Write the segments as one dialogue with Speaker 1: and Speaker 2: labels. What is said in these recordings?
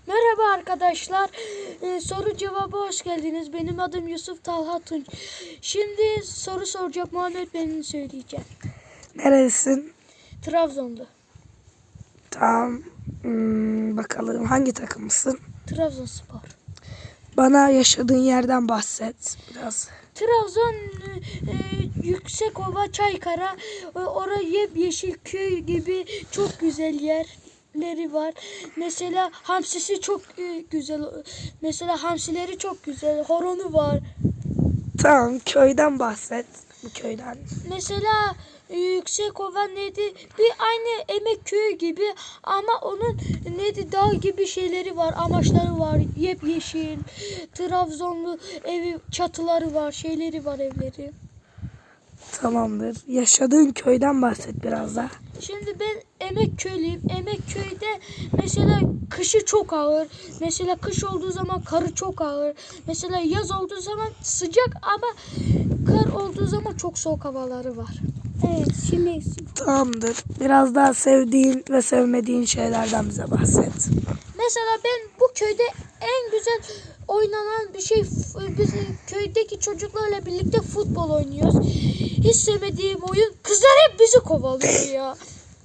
Speaker 1: Merhaba arkadaşlar. Soru cevabı hoş geldiniz. Benim adım Yusuf Talha Tunç. Şimdi soru soracak Muhammed beni söyleyeceğim.
Speaker 2: Neredesin?
Speaker 1: Trabzon'da.
Speaker 2: Tamam. Bakalım hangi takımısın?
Speaker 1: Trabzonspor.
Speaker 2: Bana yaşadığın yerden bahset biraz.
Speaker 1: Trabzon Yüksekova, Çaykara, orada yemyeşil köy gibi çok güzel yerleri var. Mesela hamsisi çok güzel. Mesela hamsileri çok güzel. Horonu var.
Speaker 2: Tamam, köyden bahset. Bu köyden.
Speaker 1: Mesela Yüksekova neydi? Bir aynı Emek Köyü gibi ama onun neydi? Dağ gibi şeyleri var, amaçları var. Yemyeşil, Trabzonlu evi, çatıları var, şeyleri var, evleri.
Speaker 2: Tamamdır. Yaşadığın köyden bahset biraz da.
Speaker 1: Şimdi ben Emek Köylüyüm. Emek Köy'de mesela kışı çok ağır. Mesela kış olduğu zaman karı çok ağır. Mesela yaz olduğu zaman sıcak ama kar olduğu zaman çok soğuk havaları var. Evet, şimdi
Speaker 2: Tamamdır. Biraz daha sevdiğin ve sevmediğin şeylerden bize bahset.
Speaker 1: mesela ben bu köyde en güzel oynanan bir şey, biz köydeki çocuklarla birlikte futbol oynuyoruz. Hiç sevmediğim oyun, kızlar hep bizi kovalıyor ya.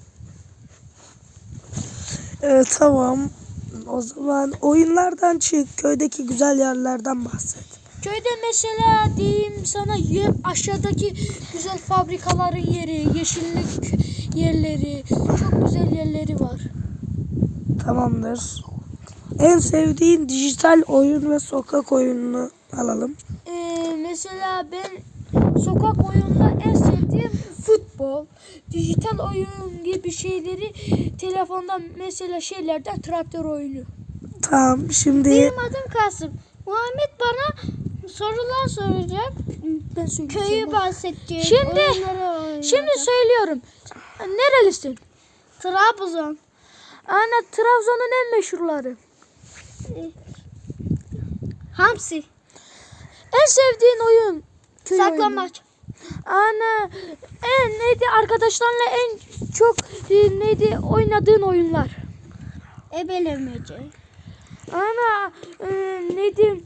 Speaker 2: Tamam. O zaman oyunlardan çık. Köydeki güzel yerlerden bahset.
Speaker 1: Köyde mesela diyeyim sana aşağıdaki güzel fabrikaların yeri, yeşillik yerleri, çok güzel yerleri var.
Speaker 2: Tamamdır. En sevdiğin dijital oyun ve sokak oyununu alalım.
Speaker 1: Mesela ben sokak oyununda en sevdiğim futbol, dijital oyun gibi şeyleri telefondan mesela şeylerden traktör oyunu.
Speaker 2: Tamam, şimdi
Speaker 1: Benim adım Kasım. Muhammed bana sorular soracak. Ben söyleyeceğim. Köyü bahsedecek. Şimdi söylüyorum. Nerelisin? Trabzon. Ana, Trabzon'un en meşhurları. Hamsi. En sevdiğin oyun? Saklambaç. Ana, neydi arkadaşlarla en çok neydi oynadığın oyunlar? Ebelemece. Ana, neydi?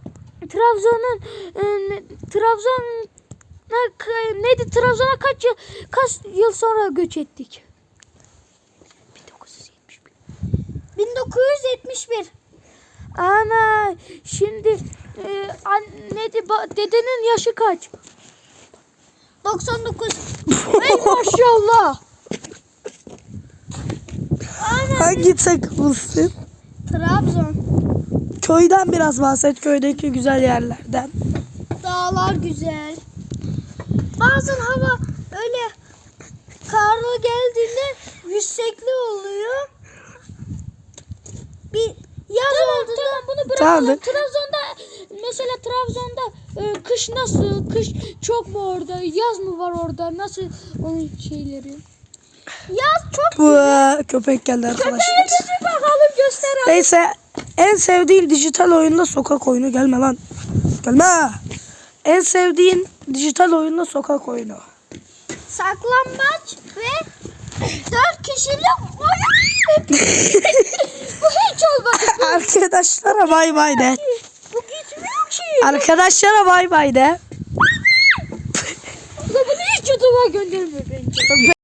Speaker 1: Trabzon'a kaç yıl sonra göç ettik? 1971. Ana, şimdi dedenin yaşı kaç? 99. Ey maşallah.
Speaker 2: hangi takımlısın?
Speaker 1: Trabzon.
Speaker 2: Köyden biraz bahset. Köydeki güzel yerlerden.
Speaker 1: Dağlar güzel. Bazen hava öyle karlı geldiğinde yüksekli oluyor. Bir yaz oldu. Tamam, bunu bırakalım.
Speaker 2: Tamam.
Speaker 1: Trabzon'da kış nasıl? Kış çok mu orada? Yaz mı var orada? Nasıl onun şeyleri? Yaz çok
Speaker 2: Bu köpek geldi arkadaşlar.
Speaker 1: Köpeğimizi bakalım, göster abi.
Speaker 2: Neyse, en sevdiğin dijital oyunda sokak oyunu. Gelme lan. Gelme. En sevdiğin dijital oyunda sokak oyunu.
Speaker 1: Saklambaç ve 4 kişilik oyun. Bu hiç olmadı.
Speaker 2: Arkadaşlara bay bay de.
Speaker 1: Bu gitmiyor ki.
Speaker 2: Arkadaşlara bay bay de.
Speaker 1: Bunu hiç YouTube'a gönderme bence.